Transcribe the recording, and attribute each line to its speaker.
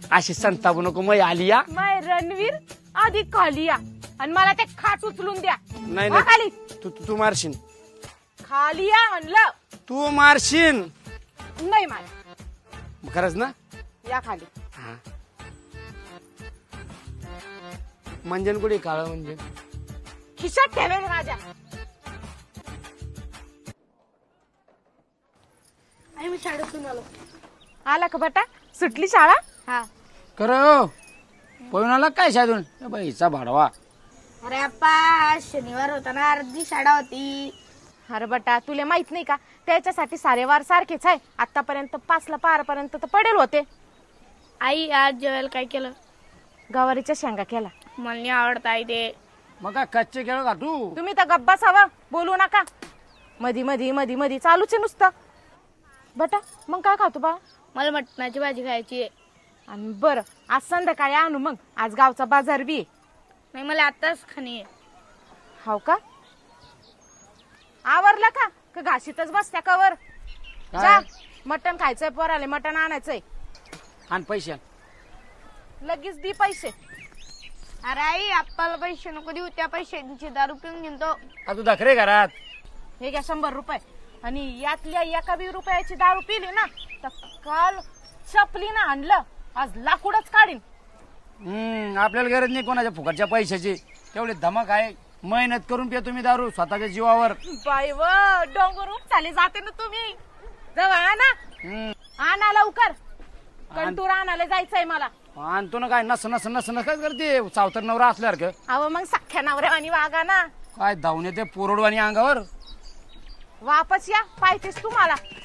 Speaker 1: अशी संतापू नको मग आली या.
Speaker 2: माय रणवीर आधी खाली या आणि मला ते खाट उचलून द्या.
Speaker 1: नाही
Speaker 2: वा खाली.
Speaker 1: तू तू मारशील.
Speaker 2: खाली या म्हणलं.
Speaker 1: तू मारशील.
Speaker 2: नाही मला.
Speaker 1: खरंच ना.
Speaker 2: या खाली.
Speaker 1: हा. मंजन कुठे काळ मंजन.
Speaker 2: खिशात ठेवेल माझ्या.
Speaker 3: मी शाळेतून आलो.
Speaker 2: आला का बेटा सुटली शाळा.
Speaker 3: हा.
Speaker 1: खरं पळून आला काय शाळेतून. बाईचा भाडवा.
Speaker 3: अरे अप्पा शनिवार होता ना अर्धी शाळा होती.
Speaker 2: अरे बेटा तुला माहित नाही का त्याच्यासाठी सारे वार सारखेच आहे. आतापर्यंत 5ला पारपर्यंत तर पडेल होते.
Speaker 3: आई आज जेवायला काय केलं.
Speaker 2: गवारीच्या शेंगा केला.
Speaker 3: मला नाही आवडत आई ते.
Speaker 1: मग काय कच्चे केळ का तू.
Speaker 2: तुम्ही तर गप्पा हवा बोलू नका. मधी मधी मधी मधी चालूच आहे नुसतं. बेटा मग काय खातो बा.
Speaker 3: मला मटणाची भाजी खायची आहे.
Speaker 2: आणि बरं आज संध्याकाळी आणू मग. आज गावचा बाजार बी आहे.
Speaker 3: नाही मला आताच खाणी आहे.
Speaker 2: हाव का आवरला का घाशीतच बसत्या कवर. जा मटण खायचंय पोराले मटण आणायचंय.
Speaker 1: आणि पैसे
Speaker 2: लगेच दी पैसे.
Speaker 3: अरे आई आप्पाला पैसे नको देऊ त्या पैशांची दारू पिऊन घेतो.
Speaker 1: तू दाखरे घरात.
Speaker 2: हे घ्या 100 रुपये. आणि यातल्या एका 20 रुपयाची दारू पिली ना तर काल चपली ना आणलं आज लाकूडच काढीन.
Speaker 1: आपल्याला गरज नाही कोणाच्या फुकटच्या पैशाची. तेवढे धमक आहे. मेहनत करून पिया तुम्ही दारू स्वतःच्या जीवावर.
Speaker 2: बाई व डोंगर चाले जाते ना तुम्ही. जवळ आणा. आणा लवकर. कंटूर आणायला जायचंय मला.
Speaker 1: आणतो ना काय नस नस नस नस काय करते सावतर नवरा असल्यासारखं.
Speaker 2: अहो मग सख्या नवऱ्यावानी वागा ना.
Speaker 1: काय धावून येते पोरडवानी अंगावर.
Speaker 2: वापस या पाहिजेच तुम्हाला.